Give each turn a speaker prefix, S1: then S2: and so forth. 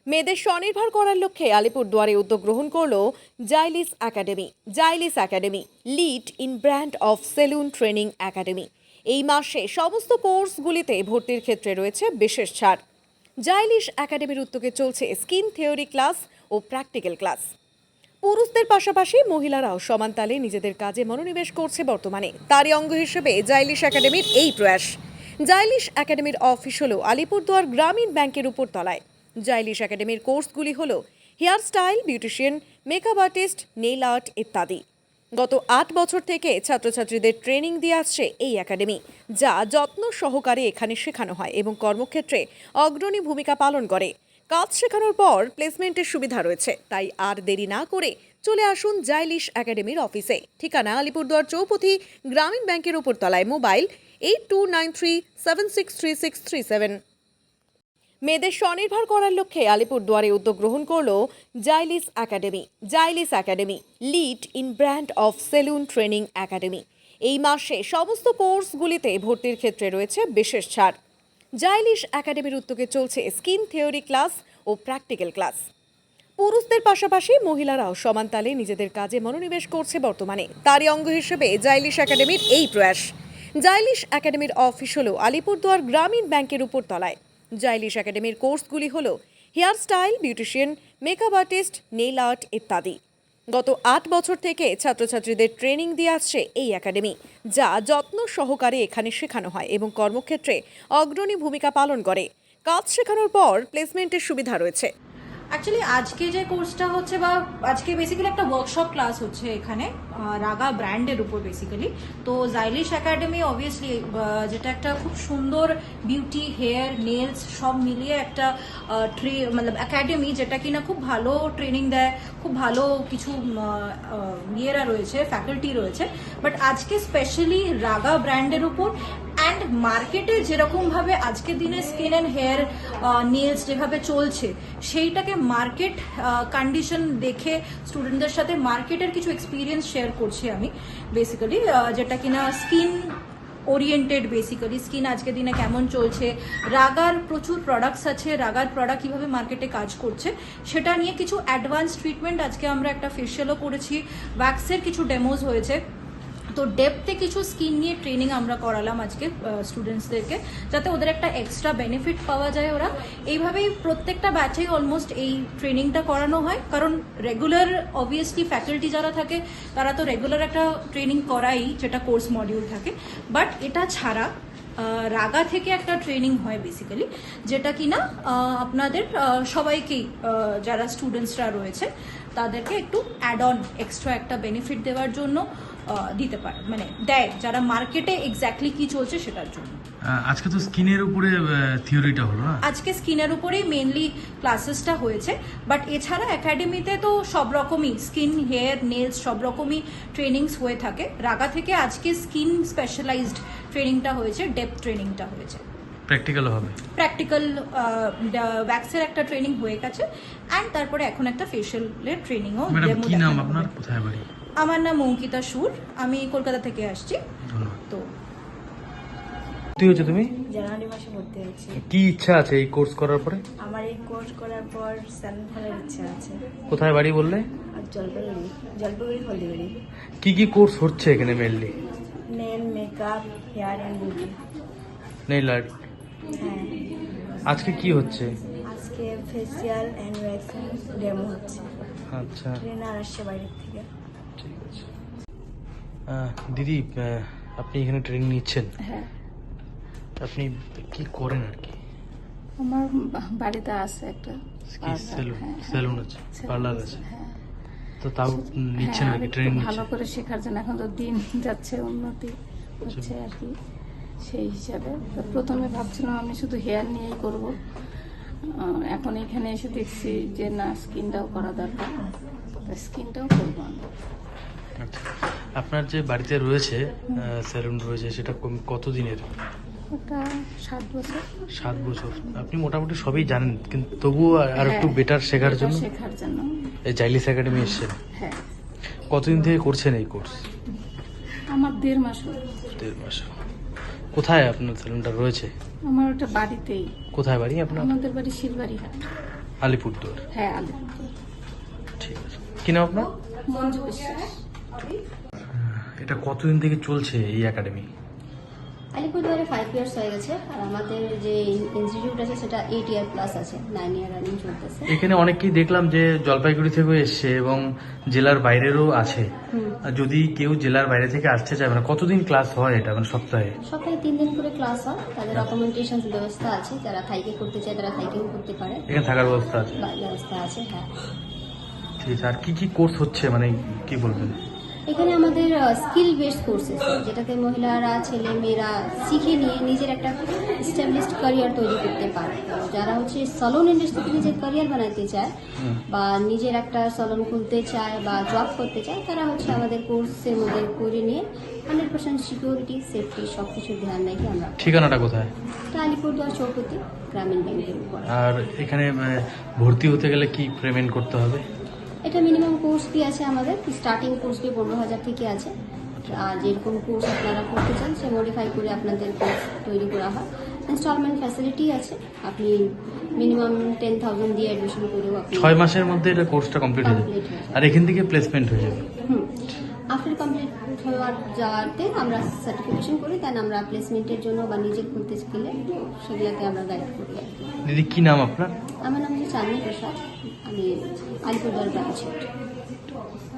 S1: মেয়েদের স্বনির্ভর করার লক্ষ্যে আলিপুরদুয়ারে উদ্যোগ গ্রহণ করল জাইলিস একাডেমি। জাইলিস academy leading brand of salon training academy. এই মাসে সমস্ত কোর্সগুলিতে ভর্তির ক্ষেত্রে রয়েছে বিশেষ ছাড়। জাইলিস একাডেমির উদ্যোগে চলছে স্কিন থিওরি ক্লাস ও প্র্যাকটিক্যাল ক্লাস। পুরুষদের পাশাপাশি মহিলারাও সমান তালে নিজেদের কাজে মনোনিবেশ করছে বর্তমানে। তারই অঙ্গ হিসেবে জাইলিস একাডেমির এই প্রয়াস। জাইলিস একাডেমির অফিস হল আলিপুরদুয়ার গ্রামীণ ব্যাংকের উপর তলায়। জাইলিস একাডেমির কোর্সগুলি হল hair style, beautician, makeup artist, nail art ইত্যাদি। গত 8 বছর থেকে ছাত্রছাত্রীদের ট্রেনিং দিয়ে আসছে এই একাডেমি, যা যত্ন সহকারে এখানে শেখানো হয় এবং কর্মক্ষেত্রে অগ্রণী ভূমিকা পালন করে। কাজ শেখানোর পর প্লেসমেন্টের সুবিধা রয়েছে, তাই আর দেরি না করে চলে আসুন জাইলিস একাডেমির অফিসে। ঠিকানা আলিপুরদুয়ার চৌপথি গ্রামীণ ব্যাংকের উপর তলায়। মোবাইল 8293763637। মেয়েদের স্বনির্ভর করার লক্ষ্যে আলিপুরদুয়ারে উদ্যোগ গ্রহণ করল জাইলিস একাডেমি। জাইলিস academy leading brand of salon training academy. এই মাসে সমস্ত কোর্সগুলিতে ভর্তির ক্ষেত্রে রয়েছে বিশেষ ছাড়। জাইলিস একাডেমির উদ্যোগে চলছে স্কিন থিওরি ক্লাস ও প্র্যাকটিক্যাল ক্লাস। পুরুষদের পাশাপাশি মহিলারাও সমান তালে নিজেদের কাজে মনোনিবেশ করছে বর্তমানে। তারই অঙ্গ হিসেবে জাইলিস একাডেমির এই প্রয়াস। জাইলিস একাডেমির অফিস হল আলিপুরদুয়ার গ্রামীণ ব্যাংকের উপর তলায়। জাইলিস একাডেমির কোর্সগুলি হল hair style, beautician, makeup artist, nail art ইত্যাদি। গত 8 বছর থেকে ছাত্রছাত্রীদের ট্রেনিং দিয়ে আসছে এই একাডেমি, যা যত্ন সহকারে এখানে শেখানো হয় এবং কর্মক্ষেত্রে অগ্রণী ভূমিকা পালন করে। কাজ শেখানোর পর প্লেসমেন্টের সুবিধা রয়েছে।
S2: অ্যাকচুয়ালি আজকে যে কোর্সটা হচ্ছে বা আজকে বেসিক্যালি একটা ওয়ার্কশপ ক্লাস হচ্ছে এখানে রাগা ব্র্যান্ডের উপর বেসিক্যালি। তো জাইলিস একাডেমি অবভিয়াসলি যেটা একটা খুব সুন্দর বিউটি, হেয়ার, নেলস সব মিলিয়ে একটা মানে একাডেমি, যেটা কিনা খুব ভালো ট্রেনিং দেয়, খুব ভালো কিছু ইয়েরা রয়েছে, ফ্যাকাল্টি রয়েছে। বাট আজকে স্পেশালি রাগা ব্র্যান্ডের উপর অ্যান্ড মার্কেটে যেরকমভাবে আজকের দিনে স্কিন অ্যান্ড হেয়ার নেলস যেভাবে চলছে, সেইটাকে মার্কেট কন্ডিশন দেখে স্টুডেন্টদের সাথে মার্কেটের কিছু এক্সপিরিয়েন্স শেয়ার করছি আমি বেসিক্যালি, যেটা কিনা স্কিন ওরিয়েন্টেড। বেসিক্যালি স্কিন আজকের দিনে কেমন চলছে, রাগার প্রচুর প্রোডাক্টস আছে, রাগার প্রোডাক্ট কীভাবে মার্কেটে কাজ করছে সেটা নিয়ে কিছু অ্যাডভান্স ট্রিটমেন্ট। আজকে আমরা একটা ফেশিয়ালও করেছি, ওয়্যাক্সের কিছু ডেমোজ হয়েছে। তো ডেপথে কিছু স্কিন নিয়ে ট্রেনিং আমরা করালাম আজকে স্টুডেন্টসদেরকে, যাতে ওদের একটা এক্সট্রা বেনিফিট পাওয়া যায়। ওরা এইভাবেই প্রত্যেকটা ব্যাচেই অলমোস্ট এই ট্রেনিংটা করানো হয়, কারণ রেগুলার অবভিয়াসলি ফ্যাকাল্টি যারা থাকে তারা তো রেগুলার একটা ট্রেনিং করাই, যেটা কোর্স মডিউল থাকে। বাট এটা ছাড়া রাগা থেকে একটা ট্রেনিং হয় বেসিক্যালি, যেটা কিনা আপনাদের সবাইকেই, যারা স্টুডেন্টসরা রয়েছে তাদেরকে একটু অ্যাড অন এক্সট্রা একটা বেনিফিট দেওয়ার জন্য দিতে পারে, মানে দেয়, যারা মার্কেটে এক্স্যাক্টলি কি চলছে সেটার জন্য।
S3: আজকে তো স্কিনের উপরে থিওরিটা হলো না? আজকে
S2: স্কিনের উপরেই মেইনলি ক্লাসেসটা হয়েছে। বাট এছাড়া একাডেমিতে তো সব রকমই স্কিন, হেয়ার, নেলস সব রকমই ট্রেনিংস হয়ে থাকে। রাগা থেকে আজকে স্কিন স্পেশালাইজড ট্রেনিংটা হয়েছে, ডেপথ ট্রেনিংটা হয়েছে।
S3: প্র্যাকটিক্যাল হবে,
S2: প্র্যাকটিক্যাল ওয়্যাক্সের একটা ট্রেনিং হয়ে গেছে, অ্যান্ড তারপরে এখন একটা ফেশিয়ালের ট্রেনিংও।
S3: ম্যাডাম কি নাম আপনার, কোথায় বাড়ি?
S2: আমার নাম অঙ্কিতা সুর, আমি কলকাতা থেকে আসছি। তো
S3: ভর্তি হয়েছে তুমি?
S4: জানুয়ারি মাসে ভর্তি হয়েছি।
S3: কি ইচ্ছা আছে এই কোর্স করার পরে?
S4: আমার এই কোর্স করার পর স্যালুন খোলার ইচ্ছা আছে।
S3: কোথায় বাড়ি বললে?
S4: আর জলপাইগুড়ি হলদিবাড়ি।
S3: কি কোর্স হচ্ছে এখানে mainly?
S4: Nail, makeup, hair and beauty.
S3: Nail art.
S4: হ্যাঁ।
S3: আজকে কি হচ্ছে?
S4: আজকে ফেসিয়াল অ্যান্ড ওয়্যাক্সিং ডেমো হচ্ছে।
S3: আচ্ছা,
S4: ট্রেনার আসছে বাইরের থেকে।
S3: ঠিক আছে। দিদি, আপনি এখানে ট্রেনিং নিচ্ছেন?
S5: হ্যাঁ।
S3: আপনি কি করেন আর কি?
S5: আমার বাড়িতে আছে একটা
S3: সেলুন আছে, পার্লার আছে।
S5: হ্যাঁ।
S3: তো তাও নিচ্ছেন আর কি ট্রেনিং?
S5: ভালো করে শেখার জন্য এখন তো দিন যাচ্ছে, উন্নতি হচ্ছে আর কি, সেই হিসাবে। তো প্রথমে ভাবছিলাম আমি শুধু হেয়ার নিয়েই করব, এখন এখানে এসে দেখছি যে না, স্কিনটাও করা দরকার, স্কিনটাও করবো আমি।
S3: আচ্ছা, আপনার যে বাড়িতে রয়েছে সেলুন রয়েছে, সেটা কতদিনের?
S5: ওটা 7 বছর।
S3: 7 বছর। আপনি মোটামুটি সবই জানেন, কিন্তু তবুও আর একটু বেটার শেখার জন্য এই জাইলিস একাডেমি এসেছেন।
S5: হ্যাঁ।
S3: কতদিন থেকে করছেন এই কোর্স?
S5: আমার 1.5 মাস হলো।
S3: 1.5 মাস। কোথায় আপনার সেলুনটা রয়েছে?
S5: আমার ওটা বাড়িতেই।
S3: কোথায় বাড়ি আপনার?
S5: আমাদের বাড়ি শিলবাড়ি হাট।
S3: আলিপুরদুয়ার।
S5: হ্যাঁ আলিপুর।
S3: ঠিক আছে, কি নাম আপনার?
S5: মঞ্জু বিশ্বাস।
S3: এটা কতদিন থেকে চলছে এই একাডেমি?
S6: আলিপুরদুয়ারে 5 ইয়ার্স হয়ে গেছে আর আমাদের যে ইনস্টিটিউট আছে সেটা 8 ইয়ার প্লাস আছে, 9 ইয়ার রানিং চলতেছে।
S3: এখানে অনেককেই দেখলাম যে জলপাইগুড়ি থেকেও এসছে এবং জেলার বাইরেরও আছে। আর যদি কেউ জেলার বাইরে থেকে আসতে চায়, মানে কতদিন ক্লাস হয় এটা, মানে সপ্তাহে?
S6: সপ্তাহে 3 দিন করে ক্লাস হয়, তাদের অ্যাকোমোডেশন ব্যবস্থা আছে, যারা থাইকে করতে চায় তারা থাইকেও করতে পারে,
S3: এখানে থাকার ব্যবস্থা আছে?
S6: ব্যবস্থা আছে। হ্যাঁ,
S3: ঠিক আছে। আর কি কি কোর্স হচ্ছে, মানে কি বলবেন?
S6: এখানে আমাদের স্কিল বেসড কোর্সেস যেটাতে মহিলারা ছেলে মেয়েরা শিখে নিয়ে নিজের একটা এস্টাবলিশড ক্যারিয়ার তৈরি করতে পারে। যারা হচ্ছে সলুন ইন্ডাস্ট্রিতে নিজের ক্যারিয়ার বানাতে চায় বা নিজের একটা সলুন খুলতে চায় বা জব করতে চায়, তারা হচ্ছে আমাদের কোর্সের মধ্যে করে নিয়ে 100% সিকিউরিটি সেফটি সব কিছুর ধ্যান রেখে আমরা।
S3: ঠিকানাটা কোথায়?
S6: এটা আলিপুরদুয়ার চৌপতি গ্রামীণ ব্যাংকের উপর।
S3: আর এখানে ভর্তি হতে গেলে কি পেমেন্ট করতে হবে?
S6: এটা মিনিমাম কোর্স ফি আছে আমাদের, স্টার্টিং কোর্স ফি 15,000 থেকে আছে। আর যেরকম কোর্স আপনারা করতে চান সে মডিফাই করে আপনাদের কোর্স তৈরি করা হয়। ইনস্টলমেন্ট ফ্যাসিলিটি আছে, আপনি মিনিমাম 10,000 দিয়ে অ্যাডমিশন করেও আপনি
S3: 6 মাসের মধ্যে এটা কোর্সটা কমপ্লিট হয়ে যাবে।
S6: Complete হয়ে যাবে।
S3: আর এখান থেকে প্লেসমেন্ট হয়ে যাবে।
S6: আফটার কমপ্লিট হওয়ার যাওয়াতে আমরা সার্টিফিকেশন করি, দেন আমরা প্লেসমেন্টের জন্য বা নিজের খুলতে গেলে সেগুলোতে আমরা গাইড করি আর কি।
S3: দিদি, কি নাম আপনার?
S6: আমার নাম হচ্ছে চাঁদনী প্রসাদ, আমি আলিপুরদুয়ার ব্রাঞ্চ হেড।